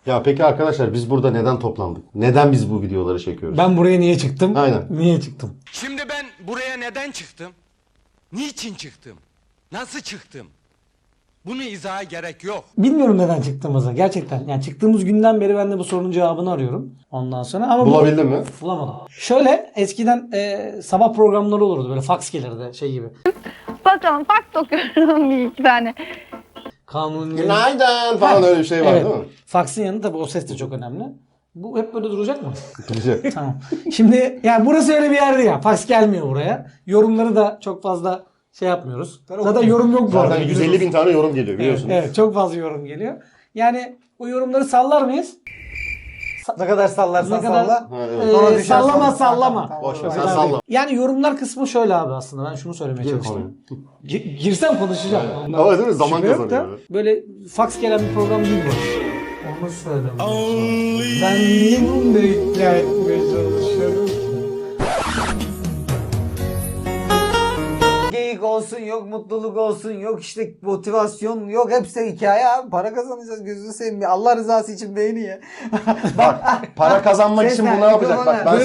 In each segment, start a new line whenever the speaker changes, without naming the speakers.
Ya peki arkadaşlar biz burada neden toplandık? Neden biz bu videoları çekiyoruz?
Ben buraya niye çıktım?
Aynen.
Niye çıktım?
Şimdi ben buraya neden çıktım? Niçin çıktım? Nasıl çıktım? Bunu izaha gerek yok.
Bilmiyorum neden çıktığımızı gerçekten. Yani çıktığımız günden beri ben de bu sorunun cevabını arıyorum. Ondan sonra ama
Bulabildin mi?
bulamadım. Şöyle eskiden sabah programları olurdu böyle fax gelirdi şey gibi.
Bakalım fark dokuyorum bir iki tane.
Kanuni.
Günaydın falan öyle bir şey var
Evet.
değil mi?
Fax'ın yanında tabii o ses de çok önemli. Bu hep böyle duracak mı?
Güzel.
Tamam. Şimdi yani burası öyle bir yerdi ya. Fax gelmiyor buraya. Yorumları da çok fazla şey yapmıyoruz. Zaten yorum yok bu arada.
Zaten 150 bin tane yorum geliyor biliyorsunuz.
Evet, çok fazla yorum geliyor. Yani o yorumları sallar mıyız?
Ne kadar sallarsan
Ne kadar-
salla.
Ha, evet.
Sonra düşer
Sallama
sonra.
sallama.
Tamam,
Boş ver,
tamam.
sen salla.
Yani yorumlar kısmı şöyle abi aslında. Ben şunu söylemeye
Gir
çalıştım. Girsem konuşacağım. Ondan
Ama değil mi? Zaman
şüphe yok da
kazanıyor.
böyle fax gelen bir program değil bu. Onu söylemeye Ben niye bunu da ikna etmeye çalışıyorum?
Geyik olsun yok, mutluluk olsun yok, işte motivasyon yok, hepsi hikaye abi. Para kazanacağız, gözünü seveyim. Allah rızası için beğeni ya.
Bak para kazanmak için bu ne yapacak? Bak ben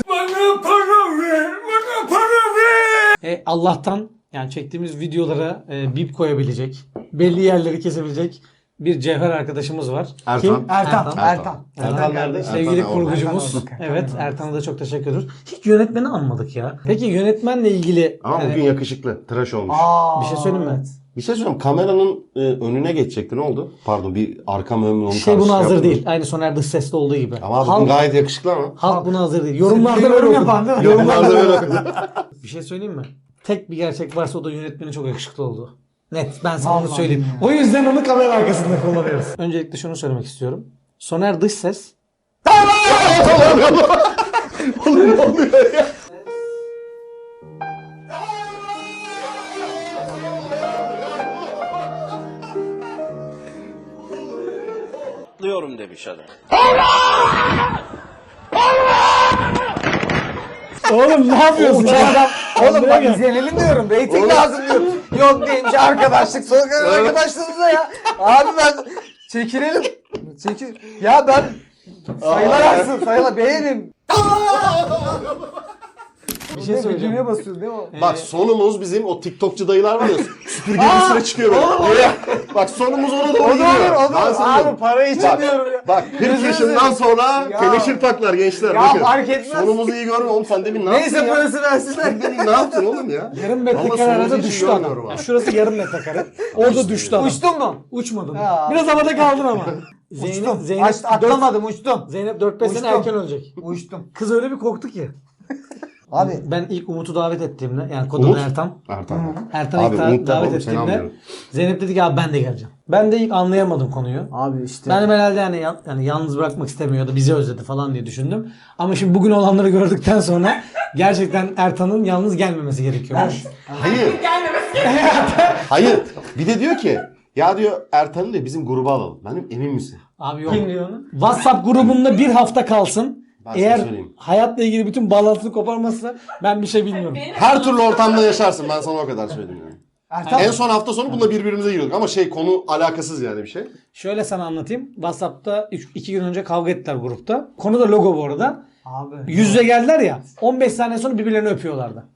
Allah'tan yani çektiğimiz videolara bip koyabilecek, belli yerleri kesebilecek bir cevher arkadaşımız var.
Ertan.
Kim?
Ertan.
Ertan nerede?
Sevgili
Ertan orada.
kurgucumuz.
Ertan orada.
Evet, Ertan'a da çok teşekkür ediyoruz. Hiç yönetmeni anmadık ya. Peki yönetmenle ilgili
Ama
yani
bugün yakışıklı. Tıraş olmuş.
bir şey söyleyeyim mi?
Bir şey söyleyeyim. Kameranın önüne geçecekti. Ne oldu? Pardon bir arkam ön mü onu
Şey buna
karışık
hazır
yaptım.
değil. Aynı Soner Dış Ses'te olduğu gibi.
Ama bugün
halk,
gayet yakışıklı ama.
halk buna hazır değil. Yorumlarda böyle
yorum
okudu.
yapan değil mi?
Yorumlarda böyle okudu.
Bir şey söyleyeyim mi? Tek bir gerçek varsa o da yönetmeni çok yakışıklı oldu. Net. Ben sana onu
Vallahi
söyleyeyim.
ya.
O yüzden onu kamera arkasında kullanıyoruz. Öncelikle şunu söylemek istiyorum. Soner Dış Ses
Oğlum ne oluyor ya?
Atlıyorum demiş adam.
Oğlum ne yapıyorsun?
Adam, oğlum bak
Buraya gel.
izlenelim diyorum. Rating lazım diyorum. Yok neymiş arkadaşlık. Sonra arkadaşlığımıza ya. Abi ben çekilelim. Çekil. Ya ben sayılar aksın. Sayılar beğenin.
Bir şey söyleyeceğim.
Düğmeye basıyorsun değil mi o?
Bak sonumuz bizim o TikTokçu dayılar var ya süpürge üstüne çıkıyor böyle. Bak sonumuz ona doğru
O da
gidiyor.
olur, o da
Ben
olur.
sana
Abi
diyorum.
para için
Bak,
diyorum ya.
Bak 40
Gözünü
yaşından
seveyim.
sonra
Ya.
teneşir taklar gençler.
Ya
bakın.
fark etmez.
Sonumuzu iyi görme oğlum sen demin ne
Neyse
yaptın ya?
parası versinler.
Sen demin ne yaptın oğlum ya?
Yarım
Vallahi
metrekare arada
sonumuzu hiç
düştü
görmüyorum
adam.
abi.
Şurası yarım metrekare. Orada düştü adam.
Uçtun mu?
Uçmadın.
Ya.
Biraz havada kaldın ama. Zeynep,
Uçtum.
Zeynep,
Atlamadım uçtum.
Zeynep 4-5 sene
Uçtum.
erken ölecek.
Uçtum.
Kız öyle bir korktu ki.
Abi
Ben ilk Umut'u davet ettiğimde yani kodu
Umut?
Ertan.
Ertan.
Ertan'ı
Abi
ilk
Umut da
davet
oğlum, seni
ettiğimde
anlıyorum.
Zeynep dedi ki abi ben de geleceğim. Ben de ilk anlayamadım konuyu.
Abi işte.
Ben herhalde yani yalnız bırakmak istemiyordu, bizi özledi falan diye düşündüm. Ama şimdi bugün olanları gördükten sonra gerçekten Ertan'ın yalnız gelmemesi gerekiyormuş.
Hayır. Hayır. Bir de diyor ki ya diyor Ertan'ı diyor bizim gruba alalım. Ben diyorum emin misin?
Abi yok.
Kim diyor onu?
WhatsApp grubunda bir hafta kalsın.
Ben sana
Eğer
söyleyeyim.
hayatla ilgili bütün bağlantısını koparmazsa ben bir şey bilmiyorum.
Her türlü ortamda yaşarsın. Ben sana o kadar söyleyeyim yani.
Ertan.
En son hafta sonu bununla birbirimize giriyorduk ama konu alakasız yani bir şey.
Şöyle sana anlatayım. WhatsApp'ta 2 gün önce kavga ettiler grupta. Konu da logo bu arada.
Abi.
Yüz yüze geldiler ya. 15 saniye sonra birbirlerini öpüyorlardı.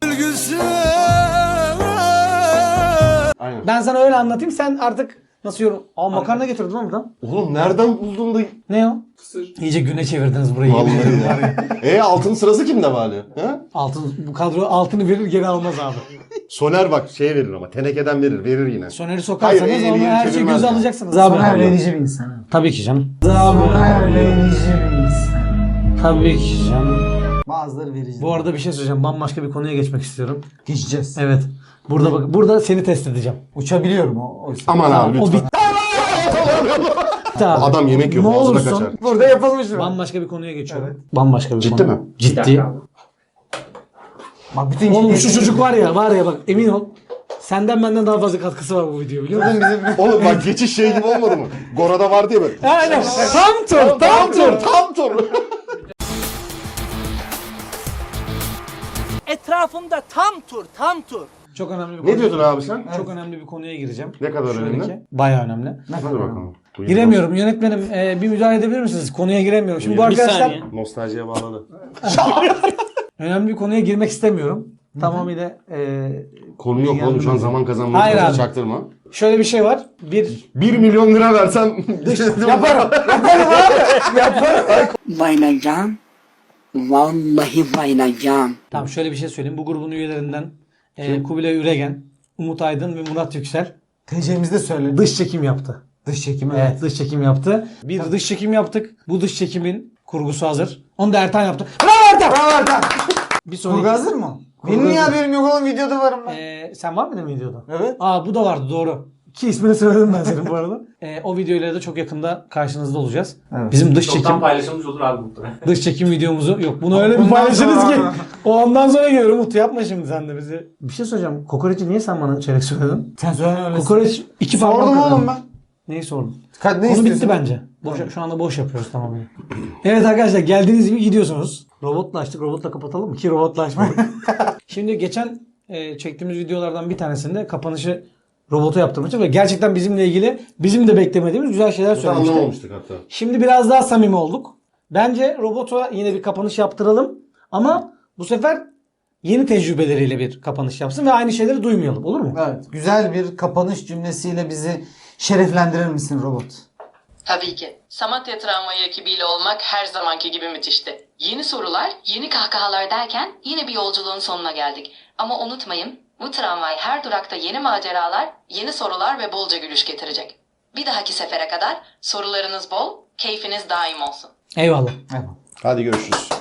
Aynen.
Ben sana öyle anlatayım. Sen artık nasıl yorum? Aa makarna getirdim lan buradan.
Oğlum nereden buldun da...
Ne o? İyice güne çevirdiniz burayı.
Vallahi ya. Altın sırası kimde bari? Ha?
Altın, bu kadro altını verir geri almaz abi.
Soner bak şeye verir ama tenekeden verir yine.
Soner'i sokarsanız
Hayır, eli
onu her şeyi
çevirmez
göze
yani.
alacaksınız abi.
Soner verici bir insan.
Tabii ki canım.
Soner verici bir insan.
Tabii ki canım.
Bazıları verici.
Bu arada bir şey söyleyeceğim. Bambaşka bir konuya geçmek istiyorum.
geçeceğiz.
Evet. Burada bak, burada seni test edeceğim.
Uçabiliyorum o.
Aman abi
O
lütfen.
bitti abi.
Adam yemek yiyor
Ne
ağzına
olursun.
kaçar.
Burada yapılmış mı?
Bambaşka bir konuya geçiyorum. Bambaşka bir
Ciddi
konu.
mi?
Ciddi.
Bak bütün
Oğlum şu çocuk var ya bak emin ol. Senden benden daha fazla katkısı var bu video biliyor musun?
Oğlum bak geçiş şey gibi olmadı mı? Gora'da var diye böyle.
Aynen. Tam tur.
Tam tur.
Etrafımda tam tur.
Çok önemli bir konu.
Ne diyordun abi sen?
Çok önemli bir konuya gireceğim.
Ne kadar
Şöyle
önemli?
ki, bayağı önemli.
Hadi bakalım.
Giremiyorum. Yönetmenim bir müdahale edebilir misiniz? Konuya giremiyorum. Şimdi bu arkadaşlar
Nostaljiye bağladı.
önemli bir konuya girmek istemiyorum. Tamamıyla
Konu yok oğlum şu an zaman kazanmak
Hayır
için
abi.
çaktırma.
şöyle bir şey var.
1 milyon lira versen
Yaparım.
Bayılacağım. Vallahi bayılacağım.
Tamam şöyle bir şey söyleyeyim. Bu grubun üyelerinden Kubilay Üregen, Umut Aydın ve Murat Yüksel
TC'mizde söyle.
dış çekim yaptı.
Dış çekim
Evet, dış çekim yaptı. Bir dış çekim yaptık. Bu dış çekimin kurgusu hazır. Onu da Ertan yaptı. Bravo Ertan!
Bravo Ertan.
Bir sonraki...
Kurgu hazır mı?
Kurgu
Benim niye
hazır.
haberim yok oğlum, videoda varım ben.
Sen var mıydın videoda?
Evet.
Aa bu da vardı doğru. Ki ismini söyledim ben senin bu arada. O videoyla da çok yakında karşınızda olacağız.
Evet.
Bizim dış çekim
paylaşılmış olur abi muhtemelen.
dış çekim videomuzu yok. Bunu öyle bir
Ondan
paylaşırız ki.
sonra-
O ondan sonra gelir Umut, yapma şimdi sen de bizi. Bir şey söyleyeceğim. Kokoreçi niye sen bana çeyrek söyledin?
Sen söyle öyle.
Kokoreç 2 parmak
Sordum
kadar.
oğlum ben.
Neyi sordun?
Ne
Konu
istiyorsun?
bitti bence. Şu anda boş yapıyoruz tamamen. Evet arkadaşlar geldiğiniz gibi gidiyorsunuz. Robotla açtık. Robotla kapatalım mı? Ki robotla açmadık. Şimdi geçen çektiğimiz videolardan bir tanesinde kapanışı robota yaptırmıştık ve gerçekten bizimle ilgili bizim de beklemediğimiz güzel şeyler söylemişti.
Anlamamıştık hatta.
Şimdi biraz daha samimi olduk. Bence robota yine bir kapanış yaptıralım ama bu sefer yeni tecrübeleriyle bir kapanış yapsın ve aynı şeyleri duymayalım. Olur mu?
Evet. Güzel bir kapanış cümlesiyle bizi şereflendirir misin robot?
Tabii ki. Samatya Tramvayı ekibiyle olmak her zamanki gibi müthişti. Yeni sorular, yeni kahkahalar derken yine bir yolculuğun sonuna geldik. Ama unutmayın, bu tramvay her durakta yeni maceralar, yeni sorular ve bolca gülüş getirecek. Bir dahaki sefere kadar sorularınız bol, keyfiniz daim olsun.
Eyvallah.
Evet.
Hadi görüşürüz.